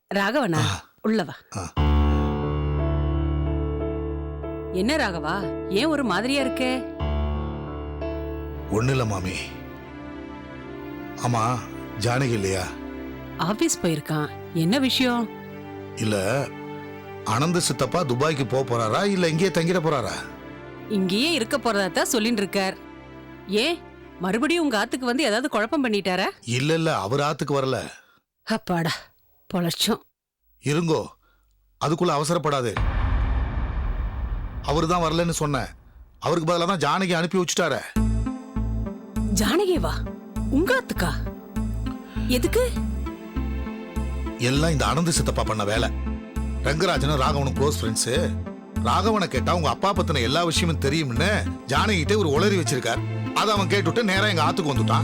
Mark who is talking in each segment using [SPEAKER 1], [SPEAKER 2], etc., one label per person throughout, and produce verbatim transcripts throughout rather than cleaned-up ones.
[SPEAKER 1] ராகவனா உள்ளவா. என்ன ராகவா, ஏன் ஒரு மாதிரியா இருக்கே?
[SPEAKER 2] ஒண்ணு இல்ல மாமி. ஆமா, ஜானகி இல்லையா?
[SPEAKER 1] ஆபீஸ் போயிருக்கான். என்ன விஷயம்?
[SPEAKER 2] இல்ல, ஆனந்த சித்தப்பா துபாய்க்கு போக போறாரா இல்ல இங்கேயே தங்கிட போறாரா?
[SPEAKER 1] இங்கேயே இருக்க போறதா தான் சொல்லிட்டு இருக்கார். ஏன் மறுபடியும் உங்க ஆத்துக்கு வந்து ஏதாவது குழப்பம் பண்ணிட்டாரா?
[SPEAKER 2] இல்ல இல்ல, அவர் ஆத்துக்கு வரல.
[SPEAKER 1] அப்பாடா பொழச்சோம்.
[SPEAKER 2] இருங்கோ, அதுக்குள்ள அவசரப்படாது. அவரு தான் வரலன்னு சொன்ன, அவருக்கு பதிலா தான் ஜானகி அனுப்பி வச்சுட்டார.
[SPEAKER 1] ஜானகி வா உங்க ஆத்துக்கா? எதுக்கு?
[SPEAKER 2] எல்லாம் இந்த ஆனந்த சித்தப்பா பண்ண வேலை. ரங்கராஜனும் ராகவனும் க்ளோஸ் ஃப்ரெண்ட்ஸ். ராகவனை கேட்டா உங்க அப்பா பத்தின எல்லா விஷயமும் தெரியும்னு ஜானகிட்ட ஒரு உளறி வச்சிருக்கார். அதை அவன் கேட்டுட்டு நேரா எங்க ஆத்துக்கு வந்துட்டான்.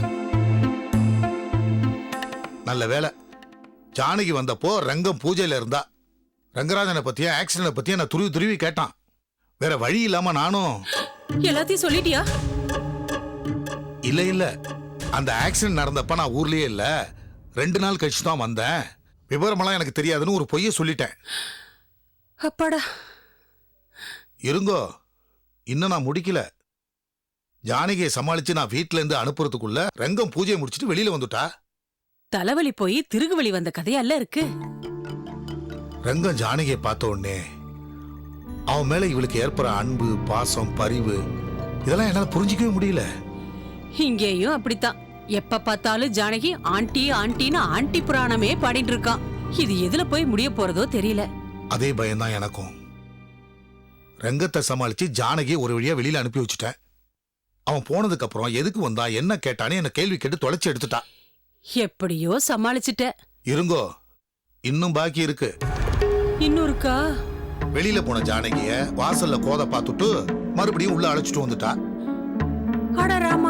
[SPEAKER 2] நல்ல வேலை, ஜானகி வந்தப்போ ரங்கம் பூஜையில இருந்தா. ரங்கராஜனை பத்தியா ஆக்சிடென்ட் பத்தியா நான் துருவி துருவி கேட்டான். வேற வழி இல்லாம நானும்
[SPEAKER 1] எல்லாத்தையும் சொல்லிட்டியா?
[SPEAKER 2] இல்ல இல்ல, அந்த ஆக்சிடென்ட் நடந்தப்ப நான் ஊர்லயே இல்ல, ரெண்டு நாள் கழிச்சு தான் வந்தேன். விவரமெல்லாம் எனக்கு தெரியாதுன்னு ஒரு பொய்ய சொல்லிட்டேன்.
[SPEAKER 1] அப்பாடா.
[SPEAKER 2] இருங்கோ, இன்னும் நான் முடிக்கல. ஜானகியை சமாளிச்சு நான் வீட்டுல இருந்து அனுப்புறதுக்குள்ள ரங்கம் பூஜையை முடிச்சிட்டு வெளியில வந்துட்டா.
[SPEAKER 1] தலைவலி போய் திருகுவலி வந்த கதையல்ல இருக்கு.
[SPEAKER 2] ரங்கம் ஜானகியை பார்த்த உடனே அவன் மேல இவளுக்கு ஏற்படுற அன்பு, பாசம், பரிவு இதெல்லாம் என்னால புரிஞ்சிக்கவே முடியல.
[SPEAKER 1] இங்கேயும் அப்படித்தான். எப்ப பார்த்தாலும் ஜானகி ஆண்டி ஆண்டின்னு ஆண்டி புராணமே பாடிட்டு இருக்கான். இது எதுல போய் முடிய போறதோ தெரியல.
[SPEAKER 2] அதே பயம்தான் எனக்கும். ரங்கத்தை சமாளிச்சு ஜானகியை ஒரு வழியா வெளியில அனுப்பி வச்சுட்டேன். அவன் போனதுக்கு அப்புறம் எதுக்கு வந்தா என்ன கேட்டானே என்ன கேள்வி கேட்டு தொலைச்சு எடுத்துட்டா.
[SPEAKER 1] எப்படியோ சமாளிச்சுட்ட.
[SPEAKER 2] இருங்கோ, இன்னும் பாக்கி இருக்கு.
[SPEAKER 1] இன்னும் இருக்கா?
[SPEAKER 2] வெளியில போன ஜானகிய வாசல்ல கோத பார்த்துட்டு மறுபடியும் உள்ள அழைச்சிட்டு வந்துட்டா.
[SPEAKER 1] அட ராமா.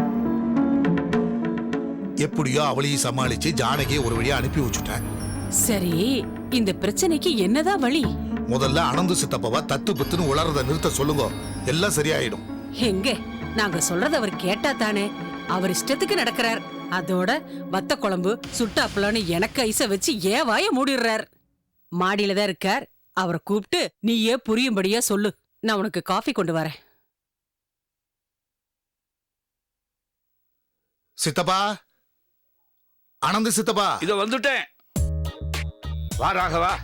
[SPEAKER 2] எப்படியோ அவளையும் சமாளிச்சு ஜானகியை ஒரு வழியா அனுப்பி வச்சுட்டேன்.
[SPEAKER 1] சரி, இந்த பிரச்சனைக்கு என்னதான் வழி?
[SPEAKER 2] முதல்ல அனந்து சித்தப்பாவா தத்து புத்துன்னு உளறத நிறுத்த சொல்லுங்க, எல்லாம் சரியாயிடும்.
[SPEAKER 1] எங்க நாங்க சொல்றத அவர் கேட்டா தானே. அவர் இஷ்டத்துக்கு நடக்கிறார். அதோட வத்த குழம்பு சுட்டாப்பலான்னு எனக்கு ஐச வச்சு ஏன் வாய மூடிடுறார். மாடியில தான் இருக்கார். அவரை கூப்பிட்டு நீயே புரியும்படியா சொல்லு. நான் உனக்கு காஃபி கொண்டு வரேன்.
[SPEAKER 2] சித்தப்பா, ஆனந்த சித்தப்பா.
[SPEAKER 3] இதோ வந்துட்டேன். வா ராகவா.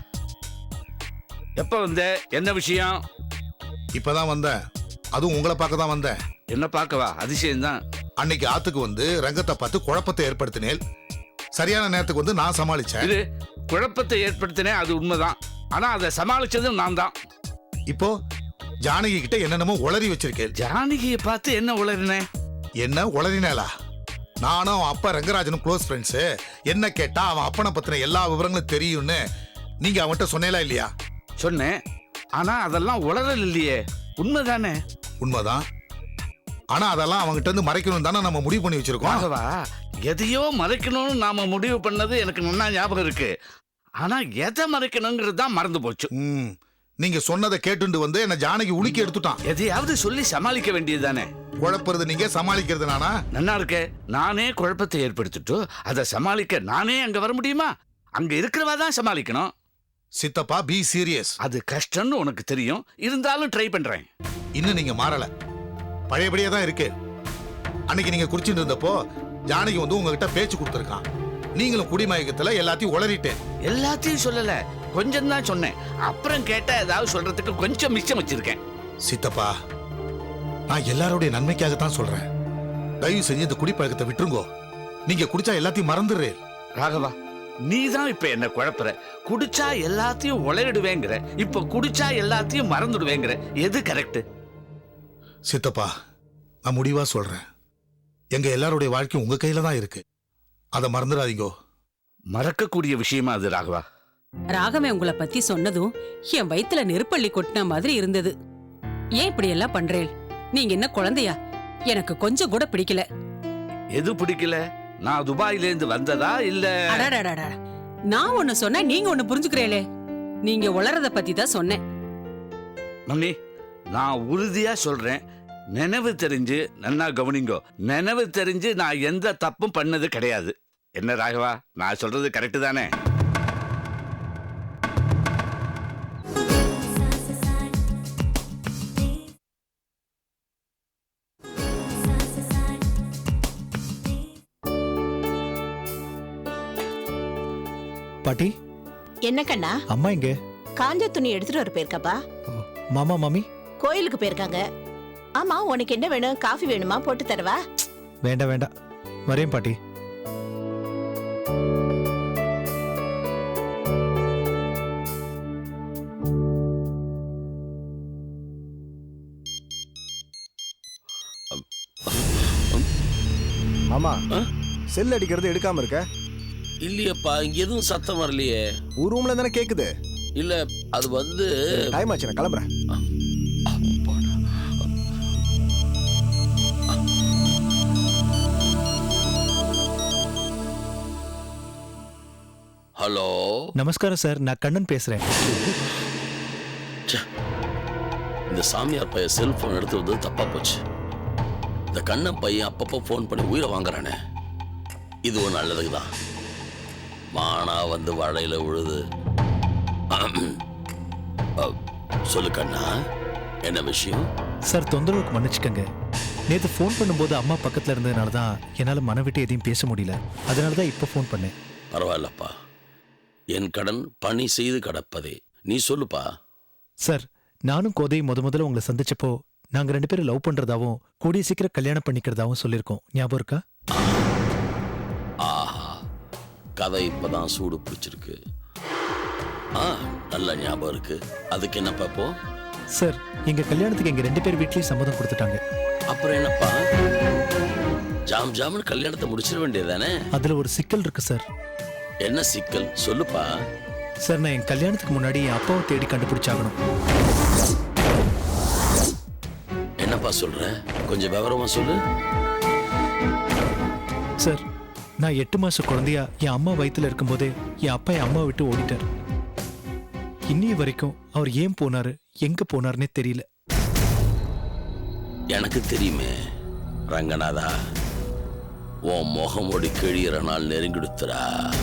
[SPEAKER 3] எப்ப வந்த? என்ன விஷயம்?
[SPEAKER 2] இப்பதான் வந்தேன். அதுவும் உங்களை பார்க்க தான் வந்தேன்.
[SPEAKER 3] என்ன பார்க்கவா? அதிசயம்தான்.
[SPEAKER 2] அன்னைக்கு ஆத்துக்கு வந்து ரங்கத்தை பார்த்து குழப்பத்தை ஏற்படுத்தினேன். சரியான நேரத்துக்கு வந்து நான் சமாளிச்சேன்.
[SPEAKER 3] இது குழப்பத்தை ஏற்படுத்தினேன், அது உண்மைதான். ஆனா அதை சமாளிச்சதும் நான் தான்.
[SPEAKER 2] இப்போ ஜானகி கிட்ட என்னென்னமோ உளறி வச்சிருக்கேன்.
[SPEAKER 3] ஜானகியை பார்த்து என்ன உளறினேன்?
[SPEAKER 2] என்ன உளறினேலா? நானும் அவன் அப்பா ரங்கராஜனும் க்ளோஸ் ஃப்ரெண்ட்ஸ். என்ன கேட்டா அவன் அப்பனை பத்தின எல்லா விவரங்களும் தெரியும்னு நீங்க அவன்கிட்ட சொன்னேலா இல்லையா?
[SPEAKER 3] சொன்னேன். ஆனா அதெல்லாம் உளறல் இல்லையே, உண்மைதானே?
[SPEAKER 2] உண்மைதான். ஆனா அதெல்லாம் அவங்ககிட்ட இருந்து மறைக்கணும் தானே நம்ம முடிவு பண்ணி வச்சிருக்கோம்.
[SPEAKER 3] ராகவா, எதையோ மறைக்கணும்னு நாம முடிவு பண்ணது எனக்கு நல்லா ஞாபகம் இருக்கு. ஆனா எதை மறைக்கணுங்கிறது தான் மறந்து போச்சு.
[SPEAKER 2] ம், நீங்க சொன்னதை கேட்டுண்டு வந்து என்ன ஜானகி உலுக்கி எடுத்துட்டான்.
[SPEAKER 3] எதையாவது சொல்லி சமாளிக்க வேண்டியதுதானே.
[SPEAKER 2] குழப்பறது நீங்க, சமாளிக்கிறது நானா?
[SPEAKER 3] நல்லா இருக்கே. நானே குழப்பத்தை ஏற்படுத்திட்டு அதை சமாளிக்க நானே அங்க வர முடியுமா? அங்க இருக்கிறவா தான் சமாளிக்கணும்.
[SPEAKER 2] சித்தப்பா, பி சீரியஸ்.
[SPEAKER 3] அது கஷ்டம்னு உனக்கு தெரியும், இருந்தாலும் ட்ரை பண்றேன்.
[SPEAKER 2] இன்னும் நீங்க மாறல, பழையபடியே தான் இருக்கு. அன்னைக்கு நீங்க குடிச்சிட்டு இருந்தப்போ ஜானகி வந்து உங்ககிட்ட பேச்சு கொடுத்துருக்கான். நீங்களும் குடிமயக்கத்துல எல்லாத்தையும் உளறிட்டேன்.
[SPEAKER 3] எல்லாத்தையும் சொல்லல, கொஞ்சம் தான் சொன்னேன். அப்புறம் கேட்ட ஏதாவது சொல்றதுக்கு கொஞ்சம் மிச்சம் வச்சிருக்கேன்.
[SPEAKER 2] சித்தப்பா, நான் எல்லாருடைய நன்மைக்காகத்தான் சொல்றேன். தயவு செஞ்சு இந்த குடிப்பழக்கத்தை விட்டுருங்கோ. நீங்க குடிச்சா எல்லாத்தையும் மறந்துடுறே.
[SPEAKER 3] ராகவா, நீ தான் இப்ப என்ன குழப்புற. குடிச்சா எல்லாத்தையும் உளறிடுவேங்கிற, இப்ப குடிச்சா எல்லாத்தையும் மறந்துடுவேங்கிற. எது கரெக்ட்?
[SPEAKER 2] சித்தப்பா, நான் முடிவா சொல்றேன். எங்க எல்லாருடைய வாழ்க்கையும் உங்க கையில தான் இருக்கு. அதை மறந்துடாதீங்கோ.
[SPEAKER 3] மறக்கக்கூடிய விஷயமா அது ராகவா?
[SPEAKER 1] ராகவே உங்களை பத்தி சொன்னதும் என் வயித்துல நெருப்பள்ளி கொட்டின மாதிரி இருந்தது. ஏன் இப்படி எல்லாம் பண்றேன்? நீங்க என்ன குழந்தையா? எனக்கு கொஞ்சம் கூட பிடிக்கல.
[SPEAKER 3] எது பிடிக்கல? நான் துபாயில இருந்து வந்ததா இல்ல?
[SPEAKER 1] அடடடடா, நான் ஒண்ணு சொன்ன நீங்க ஒண்ணு புரிஞ்சுக்கிறீங்களே. நீங்க உளறத பத்தி தான் சொன்னேன்.
[SPEAKER 3] மம்மி, நான் உறுதியா சொல்றேன், நினைவு தெரிஞ்சு நன்னா கவனிங்கோ. நினைவு தெரிஞ்சு நான் எந்த தப்பும் பண்ணது கிடையாது. என்ன ராகவா, நான் சொல்றது கரெக்ட் தானே?
[SPEAKER 4] பாட்டி
[SPEAKER 5] என்ன கண்ணா?
[SPEAKER 4] அம்மா இங்க.
[SPEAKER 5] காஞ்ச துணி எடுத்துட்டு வர போயிருக்காப்பா.
[SPEAKER 4] மாமா மாமி
[SPEAKER 5] கோயிலுக்கு போயிருக்காங்க. ஆமா, உனக்கு என்ன வேணும்? காஃபி வேணுமா? போட்டு தரவா?
[SPEAKER 4] வேண்டாம் வேண்டாம், வரேன் பாட்டி.
[SPEAKER 6] மாமா, செல் அடிக்கிறது எடுக்காம இருக்க?
[SPEAKER 7] இல்லையப்பா, இங்க எதுவும் சத்தம் வரலையே.
[SPEAKER 6] ஒரு ரூம்ல தானே கேக்குது.
[SPEAKER 7] இல்ல, அது வந்து
[SPEAKER 6] டைம் ஆச்சு, நான் கிளம்புறேன்.
[SPEAKER 7] ஹலோ,
[SPEAKER 4] நமஸ்காரம் சார், நான் கண்ணன் பேசுறேன்.
[SPEAKER 7] இந்த சாமியார் பையன் செல்போன் எடுத்து வந்து தப்பா போச்சு. இந்த கண்ணன் பையன் அப்பப்போ ஃபோன் பண்ணி உயிரை வாங்குறானே, இதுவும் நல்லதுக்கு தான். மானா வந்து வடையில விழுது. சொல்லு கண்ணா, என்ன விஷயம்?
[SPEAKER 4] சார், தொந்தரவுக்கு மன்னிச்சுக்கங்க. நேற்று ஃபோன் பண்ணும்போது அம்மா பக்கத்தில் இருந்ததுனால தான் என்னால் மன விட்டு எதையும் பேச முடியல. அதனால தான் இப்போ ஃபோன் பண்ணேன்.
[SPEAKER 7] பரவாயில்லப்பா, என் கடன் பணி செய்து கிடப்பதே. நீ சொல்லுப்பா.
[SPEAKER 4] சார், நானும் கோதை முத முதல்ல உங்களை சந்திச்சப்போ நாங்கள் ரெண்டு பேரும் லவ் பண்ணுறதாவும் கூடிய சீக்கிரம் கல்யாணம் பண்ணிக்கிறதாவும் சொல்லியிருக்கோம். ஞாபகம் இருக்கா?
[SPEAKER 7] ஆஹா, கதை இப்பதான் சூடு பிடிச்சிருக்கு. ஆ, நல்ல ஞாபகம் இருக்கு. அதுக்கு என்னப்பா இப்போ?
[SPEAKER 4] சார், எங்க கல்யாணத்துக்கு எங்க ரெண்டு பேர் வீட்லயும் சம்மதம் கொடுத்துட்டாங்க.
[SPEAKER 7] அப்புறம் என்னப்பா, ஜாம் ஜாம்னு கல்யாணத்தை முடிச்சிட வேண்டியதானே?
[SPEAKER 4] அதுல ஒரு சிக்கல் இருக்கு சார்.
[SPEAKER 7] என்ன சிக்கல்? சொல்லுப்பா.
[SPEAKER 4] சார், நான் என் கல்யாணத்துக்கு முன்னாடி என் அப்பாவை தேடி கண்டுபிடிச்சாகணும்.
[SPEAKER 7] என்னப்பா சொல்ற? கொஞ்சம் விவரமா சொல்லு.
[SPEAKER 4] சார், நான் எட்டு மாச குழந்தையா என் அம்மா வயித்துல இருக்கும்போதே என் அப்பா என் அம்மா விட்டு ஓடிட்டார். இன்னி வரைக்கும் அவர் ஏன் போனாரு, எங்க போனாருன்னே தெரியல.
[SPEAKER 7] எனக்கு தெரியுமே ரங்கநாதா, உன் முகமொடி கிழியிற நாள் நெருங்கிடுத்துறா.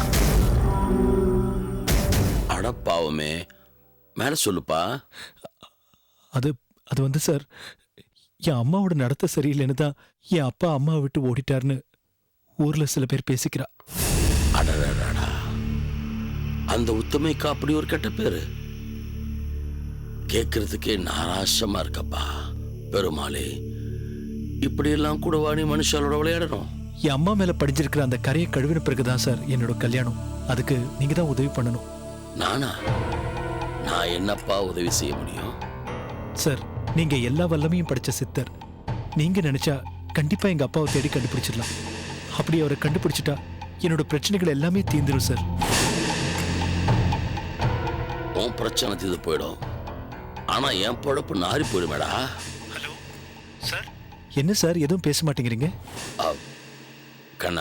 [SPEAKER 7] அடப்பாவமே, மேல சொல்லுப்பா.
[SPEAKER 4] அது அது வந்து சார், என் அம்மாவோட நடத்த சரியில்லைன்னு தான் என் அப்பா அம்மாவை விட்டு ஓடிட்டாருன்னு ஊர்ல சில பேர் பேசிக்கிறா.
[SPEAKER 7] அடடடா, அந்த உத்தமைக்கு அப்படி ஒரு கெட்ட பேரு கேட்கறதுக்கே நாராசமா இருக்கப்பா. பெருமாளே, இப்படி எல்லாம் கூட வாணி மனுஷாலோட விளையாடணும்.
[SPEAKER 4] என் அம்மா மேல படிஞ்சிருக்கிற அந்த கரையை கழுவின பிறகுதான் சார் என்னோட கல்யாணம். அதுக்கு நீங்க தான் உதவி பண்ணணும்.
[SPEAKER 7] நானா? நான் என்னப்பா உதவி செய்ய முடியும்?
[SPEAKER 4] சார், நீங்க எல்லா வல்லமையும் படிச்ச சித்தர். நீங்க நினைச்சா கண்டிப்பா எங்க அப்பாவை தேடி கண்டுபிடிச்சிடலாம். அப்படி அவரை கண்டுபிடிச்சிட்டா என்னோட பிரச்சனைகள் எல்லாமே தீந்துரும் சார்.
[SPEAKER 7] உன் பிரச்சனை தீர்ந்து போயிடும், ஆனா என் பொழப்பு நாரி போயிடுமேடா.
[SPEAKER 4] Hello sir. என்ன சார், எதுவும் பேச மாட்டேங்கிறீங்க?
[SPEAKER 7] கண்ணா,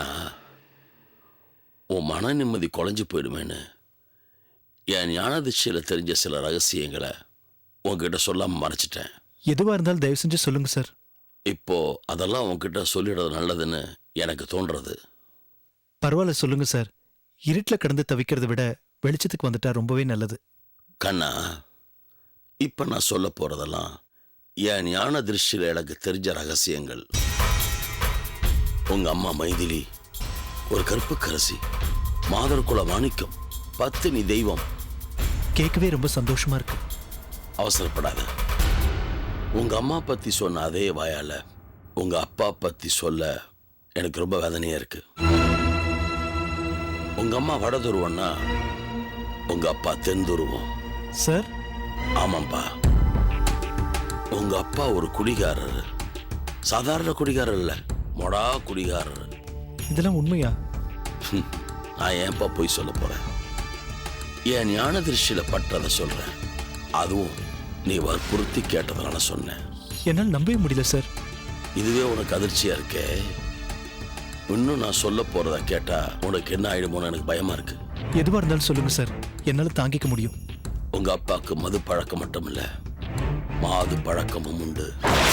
[SPEAKER 7] உன் மன நிம்மதி குலைஞ்சு போயிடுமேன்னு என் ஞானதிச்சையில தெரிஞ்ச சில ரகசியங்களை உன்கிட்ட சொல்லாம மறைச்சிட்டேன்.
[SPEAKER 4] எதுவா இருந்தாலும் தயவு செஞ்சு சொல்லுங்க சார்.
[SPEAKER 7] இப்போ அதெல்லாம் உன்கிட்ட சொல்லிடுறது நல்லதுன்னு எனக்கு தோன்றது.
[SPEAKER 4] பரவாயில்ல, சொல்லுங்க சார். இருட்டில் கடந்து தவிக்கிறத விட வெளிச்சத்துக்கு வந்துட்டா ரொம்பவே நல்லது.
[SPEAKER 7] கண்ணா, இப்ப நான் சொல்ல போறதெல்லாம் என் ஞான திருஷ்டியில எனக்கு தெரிஞ்ச ரகசியங்கள். உங்க அம்மா மைதிலி ஒரு கற்புக்கரசி, மாதர்குல மாணிக்கம், பத்தினி தெய்வம்.
[SPEAKER 4] கேட்கவே ரொம்ப சந்தோஷமா இருக்கு.
[SPEAKER 7] அவசரப்படாத. உங்க அம்மா பத்தி சொன்ன அதே வாயால உங்க அப்பா பத்தி சொல்ல எனக்கு ரொம்ப வேதனையா இருக்கு. உங்க அம்மா வட துருவம்னா உங்க அப்பா தென் துருவம்.
[SPEAKER 4] சார்?
[SPEAKER 7] ஆமாம்பா, உங்க அப்பா ஒரு குடிகாரர். சாதாரண குடிகாரர் இல்ல, மொடா குடிகாரர்.
[SPEAKER 4] இதெல்லாம் உண்மையா?
[SPEAKER 7] நான் ஏன்பா போய் சொல்ல போறேன்? என் ஞான திருஷ்டியில பட்டதை சொல்றேன். அதுவும் நீ வற்புறுத்தி கேட்டதுனால சொன்னேன்.
[SPEAKER 4] என்னால் நம்பவே முடியல சார்.
[SPEAKER 7] இதுவே உனக்கு அதிர்ச்சியா இருக்கே. இன்னும் நான் சொல்ல போறத கேட்டா உனக்கு என்ன ஆயிடுமோன்னு எனக்கு பயமா இருக்கு.
[SPEAKER 4] எதுவா இருந்தாலும் சொல்லுங்க சார், என்னால தாங்கிக்க முடியும்.
[SPEAKER 7] உங்க அப்பாவுக்கு மது பழக்கம் மட்டும் இல்ல, மாது பழக்கமும் உண்டு.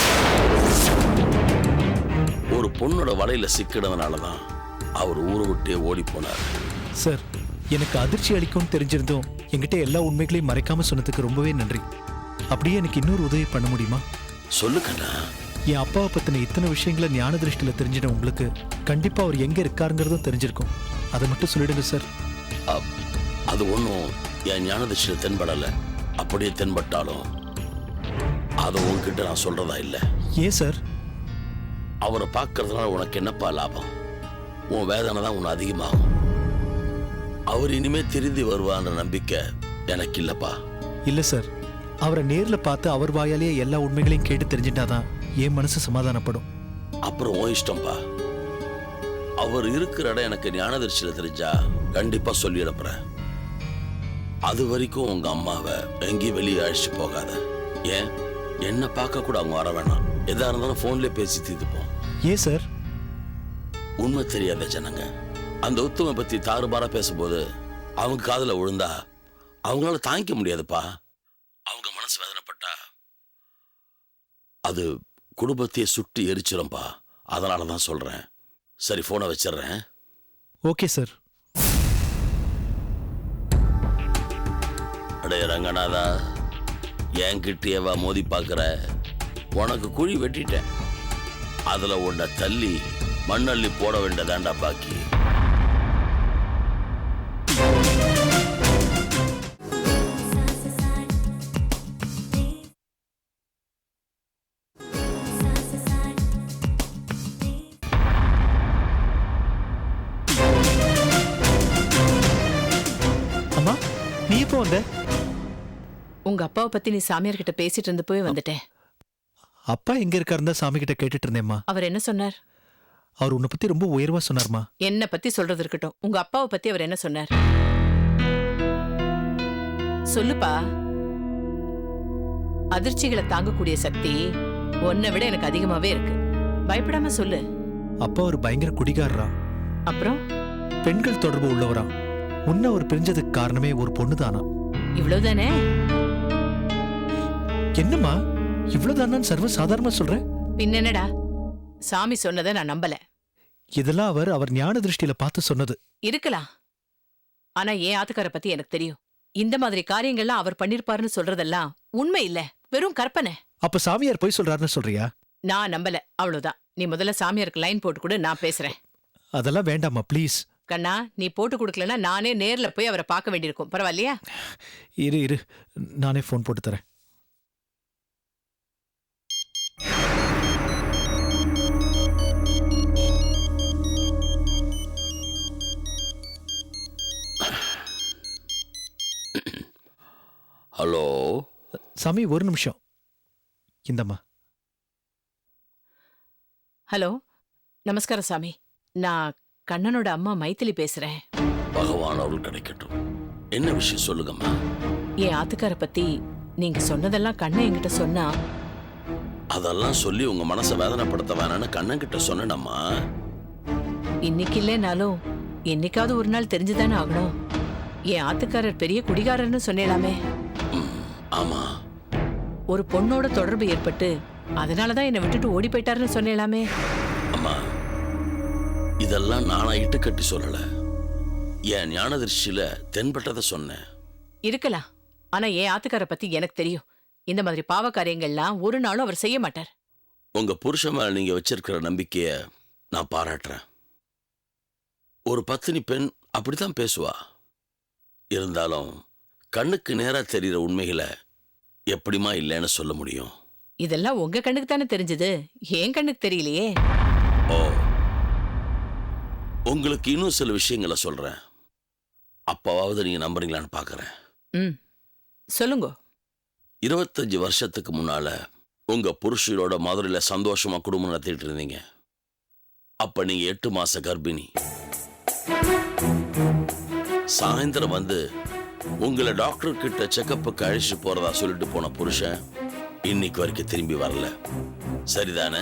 [SPEAKER 7] ஒரு பொண்ணோட வலையில சிக்கினதுனாலதான் அவர் ஊரை விட்டே ஓடி போனார்.
[SPEAKER 4] சார், எனக்கு அதிர்ச்சி அளிக்கும்னு தெரிஞ்சிருந்தோம் என்கிட்ட எல்லா உண்மைகளையும் மறைக்காம சொன்னதுக்கு ரொம்பவே நன்றி. அப்படியே எனக்கு இன்னொரு உதவி பண்ண முடியுமா?
[SPEAKER 7] சொல்லுக்கண்ணா.
[SPEAKER 4] என் அப்பாவை பத்தின இத்தனை விஷயங்களை ஞான திருஷ்டியில தெரிஞ்சிட உங்களுக்கு கண்டிப்பா அவர் எங்க இருக்காருங்கிறதும் தெரிஞ்சிருக்கும். அதை மட்டும் சொல்லிடுங்க சார்.
[SPEAKER 7] அது ஒன்றும் என் ஞானதிஷில தென்படலை. அப்படியே தென்பட்டாலும் அதை உன்கிட்ட நான் சொல்றதா இல்லை.
[SPEAKER 4] ஏன் சார்?
[SPEAKER 7] அவரை பார்க்கறதுனால உனக்கு என்னப்பா லாபம்? உன் வேதனை தான் உன்னை அதிகமாகும். அவர் இனிமே திருந்தி வருவான்ற நம்பிக்கை எனக்கு இல்லப்பா.
[SPEAKER 4] இல்ல சார், அவரை நேர்ல பார்த்து அவர் வாயாலேயே எல்லா உண்மைகளையும் கேட்டு தெரிஞ்சிட்டாதான் என் மனசு சமாதானப்படும்.
[SPEAKER 7] அப்புறம் உன் இஷ்டம்ப்பா. அவர் இருக்கிற இடம் எனக்கு ஞானதிர்ச்சியில தெரிஞ்சா கண்டிப்பா சொல்லி அனுப்புறேன். அது வரைக்கும் உங்க அம்மாவை எங்கேயும் வெளியே அழைச்சிட்டு போகாத. ஏன், என்ன பார்க்க கூட அவங்க வர வேணாம். எதா இருந்தாலும் போன்லயே பேசி தீர்த்துப்போம்.
[SPEAKER 4] ஏன் சார்?
[SPEAKER 7] உண்மை தெரியாத ஜனங்க அந்த உத்தம பத்தி தாறுபாரா பேசும்போது அவங்க காதுல விழுந்தா அவங்களால தாங்கிக்க முடியாதுப்பா. அவங்க மனசு வேதனைப்பட்டா அது குடும்பத்தையே சுட்டு எரிச்சிரும்பா. அதனாலதான் சொல்றேன். சரி, போனை வச்சிடுறேன்.
[SPEAKER 4] Okay sir.
[SPEAKER 7] அடே ரங்கநாதா, என்கிட்டயேவா மோதி பார்க்குற? உனக்கு குழி வெட்டிட்டேன். அதுல உன்னை தள்ளி மண்ணள்ளி போட வேண்டியதாண்டா பாக்கி.
[SPEAKER 4] அம்மா, நீ எப்போ வந்த?
[SPEAKER 5] உங்க அப்பாவை பத்தி நீ சாமியார் கிட்ட பேசிட்டு இருந்து போய் வந்துட்டேன்.
[SPEAKER 4] அப்பா எங்க இருக்காருந்தா சாமி கிட்ட கேட்டுட்டு இருந்தேம்மா.
[SPEAKER 5] அவர் என்ன சொன்னார்?
[SPEAKER 4] அவர் உன்னை பத்தி ரொம்ப உயர்வா சொன்னார்மா.
[SPEAKER 5] என்ன பத்தி சொல்றது இருக்கட்டும், உங்க அப்பாவை பத்தி அவர் என்ன சொன்னார்? சொல்லுப்பா. அதிர்ச்சிகளை தாங்கக்கூடிய சக்தி உன்னை விட எனக்கு அதிகமாவே இருக்கு. பயப்படாம சொல்லு.
[SPEAKER 4] அப்பா ஒரு பயங்கர குடிகாரரா,
[SPEAKER 5] அப்புறம்
[SPEAKER 4] பெண்கள் தொடர்பு உள்ளவரா. உன்னை அவர் பிரிஞ்சதுக்கு காரணமே ஒரு பொண்ணுதானா?
[SPEAKER 5] இவ்வளவுதானே?
[SPEAKER 4] என்னம்மா இவ்வளவுதானான்னு சர்வ சாதாரணமா சொல்ற?
[SPEAKER 5] பின்னென்னடா, சாமி சொன்னதை நான் நம்பல.
[SPEAKER 4] இதெல்லாம் அவர் அவர் ஞான திருஷ்டியில பார்த்து சொன்னது.
[SPEAKER 5] இருக்கலாம். ஆனா என் ஆத்துக்கார பத்தி எனக்கு தெரியும். இந்த மாதிரி காரியங்கள்லாம் அவர் பண்ணிருப்பாருன்னு சொல்றதெல்லாம் உண்மை இல்ல, வெறும் கற்பனை.
[SPEAKER 4] அப்ப சாமியார் போய் சொல்றாருன்னு சொல்றியா?
[SPEAKER 5] நான் நம்பல, அவ்வளவுதான். நீ முதல்ல சாமியாருக்கு லைன் போட்டு கொடு, நான் பேசுறேன்.
[SPEAKER 4] அதெல்லாம் வேண்டாமா ப்ளீஸ்.
[SPEAKER 5] கண்ணா, நீ போட்டு கொடுக்கலன்னா நானே நேர்ல போய் அவரை பார்க்க வேண்டியிருக்கும். பரவாயில்லையா?
[SPEAKER 4] இரு இரு, நானே போன் போட்டு தரேன்.
[SPEAKER 7] ஹலோ
[SPEAKER 4] சாமி, ஒரு நிமிஷம். இந்தம்மா.
[SPEAKER 5] ஹலோ, நமஸ்காரம் சாமி. நான் கண்ணனோட அம்மா மைத்திலி பேசுறேன்.
[SPEAKER 7] பகவான் அருள் கிடைக்கட்டும். என்ன விஷயம் சொல்லுங்கம்மா.
[SPEAKER 5] என் ஆத்துக்கார பத்தி நீங்க சொன்னதெல்லாம் கண்ணன் என்கிட்ட சொன்னா.
[SPEAKER 7] அதெல்லாம் சொல்லி உங்க மனசை வேதனைப்படுத்த வேணான்னு கண்ணன் கிட்ட சொன்னேனம்மா.
[SPEAKER 5] இன்னைக்கு இல்லைனாலும் என்னைக்காவது ஒரு நாள் தெரிஞ்சுதானே ஆகணும். என் ஆத்துக்காரர் பெரிய குடிகாரர்னு சொன்னேலாமே.
[SPEAKER 7] ஆமா,
[SPEAKER 5] ஒரு பொண்ணோட தொடர்பு ஏற்பட்டு அதனாலதான் என்னை விட்டுட்டு ஓடி போயிட்டாருன்னு சொன்னேலாமே.
[SPEAKER 7] அம்மா, இதெல்லாம் நானா இட்டு கட்டி சொல்லல. என் ஞான திருஷ்டியில தென்பட்டதை சொன்னேன்.
[SPEAKER 5] இருக்கலாம். ஆனா என் ஆத்துக்கார பத்தி எனக்கு தெரியும். இந்த மாதிரி பாவ காரியங்கள்லாம் ஒரு நாளும் அவர் செய்ய மாட்டார்.
[SPEAKER 7] உங்க புருஷன் மேல நீங்க வச்சிருக்கிற நம்பிக்கைய நான் பாராட்டுறேன். ஒரு பத்தினி பெண் அப்படித்தான் பேசுவா. இருந்தாலும் கண்ணுக்கு நேரா தெரிகிற உண்மைகளை எப்படிமா இல்லைன்னு சொல்ல முடியும்?
[SPEAKER 5] இதெல்லாம் உங்க கண்ணுக்கு தானே தெரிஞ்சது, ஏன் கண்ணுக்கு தெரியலையே.
[SPEAKER 7] ஓ, உங்களுக்கு இன்னும் சில விஷயங்களை சொல்றேன். அப்பாவது நீங்க நம்புறீங்களான்னு பாக்குறேன்.
[SPEAKER 5] ம், சொல்லுங்க.
[SPEAKER 7] இருபத்தஞ்சு வருஷத்துக்கு முன்னால உங்க புருஷரோட மதுரையில சந்தோஷமா குடும்பம் நடத்திட்டு இருந்தீங்க. அப்ப நீங்க எட்டு மாச கர்ப்பிணி. சாயந்தரம் வந்து உங்களை டாக்டர் கிட்ட செக்கப்புக்கு அழைச்சிட்டு போறதா சொல்லிட்டு போன புருஷன் இன்னைக்கு வரைக்கும் திரும்பி வரல. சரிதானே?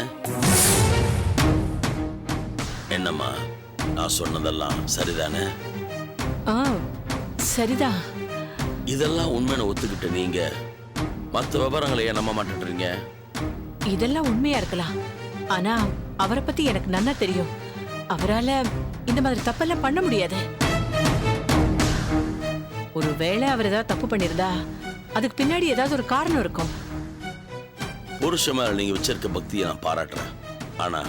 [SPEAKER 7] என்னம்மா, நான் சொன்னதெல்லாம் சரிதானே?
[SPEAKER 5] ஆ, சரிதான்.
[SPEAKER 7] இதெல்லாம் உண்மைன்னு ஒத்துக்கிட்ட நீங்க மற்ற விவரங்களை ஏன் நம்ப மாட்டேன்றீங்க?
[SPEAKER 5] இதெல்லாம் உண்மையா இருக்கலாம். ஆனா அவரை பத்தி எனக்கு நன்னா தெரியும். அவரால இந்த மாதிரி தப்பெல்லாம் பண்ண முடியாது. ஒருவேளை அவர் ஏதாவது தப்பு பண்ணிருந்தா அதுக்கு பின்னாடி ஏதாவது ஒரு காரணம் இருக்கும்.
[SPEAKER 7] புருஷ மேல நீங்க வச்சிருக்க பக்தியை நான் பாராட்டுறேன். ஆனா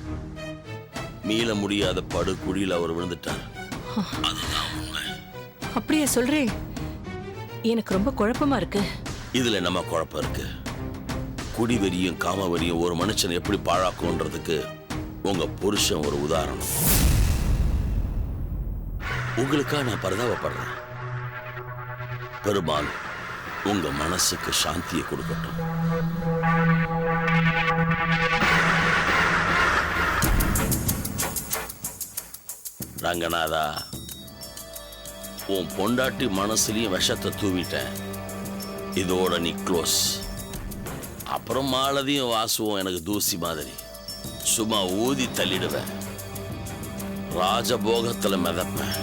[SPEAKER 7] மீள முடியாத படு குழியில அவர் விழுந்துட்டார். அதுதான் உண்மை.
[SPEAKER 5] அப்படியே சொல்றேன். எனக்கு ரொம்ப குழப்பமா இருக்கு.
[SPEAKER 7] இதுல நம்ம குழப்பம் இருக்கு. குடிவெறியும் காமவெறியும் ஒரு மனுஷன் எப்படி பாழாக்கும்ன்றதுக்கு உங்க புருஷன் ஒரு உதாரணம். உங்களுக்கா நான் பரிதாபப்படுறேன். பெருமாள் உங்க மனசுக்கு சாந்தியை கொடுக்கட்டும். ரங்கநாதா, உன் பொண்டாட்டி மனசுலயும் விஷத்தை தூவிட்டேன். இதோட நீ க்ளோஸ். அப்புறம் மாலதியும் வாசுவும் எனக்கு தூசி மாதிரி சும்மா ஊதி தள்ளிடுவேன். ராஜபோகத்துல மிதப்பேன்.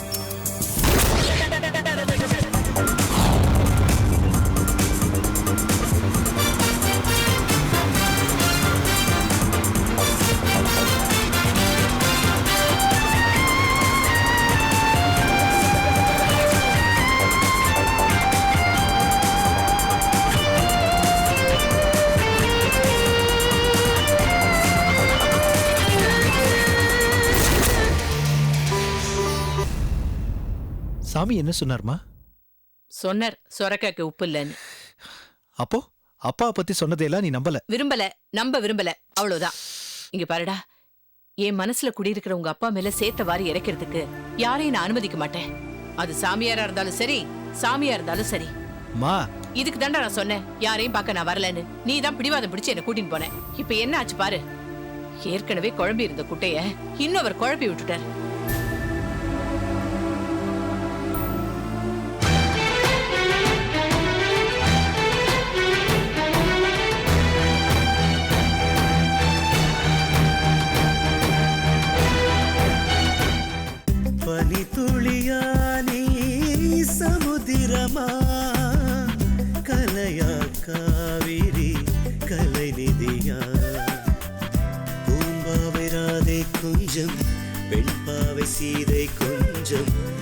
[SPEAKER 4] சாமி என்ன சொன்னார்மா?
[SPEAKER 5] சொன்னார் சொரக்காக்கு உப்பு இல்லைன்னு.
[SPEAKER 4] அப்போ அப்பா பத்தி சொன்னதையெல்லாம் நீ நம்பல?
[SPEAKER 5] விரும்பல, நம்ப விரும்பல, அவ்வளவுதான். இங்க பாருடா, என் மனசுல குடியிருக்கிற உங்க அப்பா மேல சேத்த வாரி இறக்கிறதுக்கு யாரையும் நான் அனுமதிக்க மாட்டேன். அது சாமியாரா இருந்தாலும் சரி, சாமியா இருந்தாலும் சரி.
[SPEAKER 4] மா,
[SPEAKER 5] இதுக்கு தாண்டா நான் சொன்னேன் யாரையும் பார்க்க நான் வரலன்னு. நீ தான் பிடிவாதம் பிடிச்சு என்ன கூட்டின்னு போனேன். இப்ப என்ன ஆச்சு பாரு. ஏற்கனவே குழம்பி இருந்த குட்டைய இன்னும் அவர் குழப்பி விட்டுட்டார்.
[SPEAKER 8] துளியானே சமுதிரமா கலையா காவிரி கலை நிதியா பூம்பாவை ராதை கொஞ்சம் வெண்பாவை சீதை கொஞ்சம்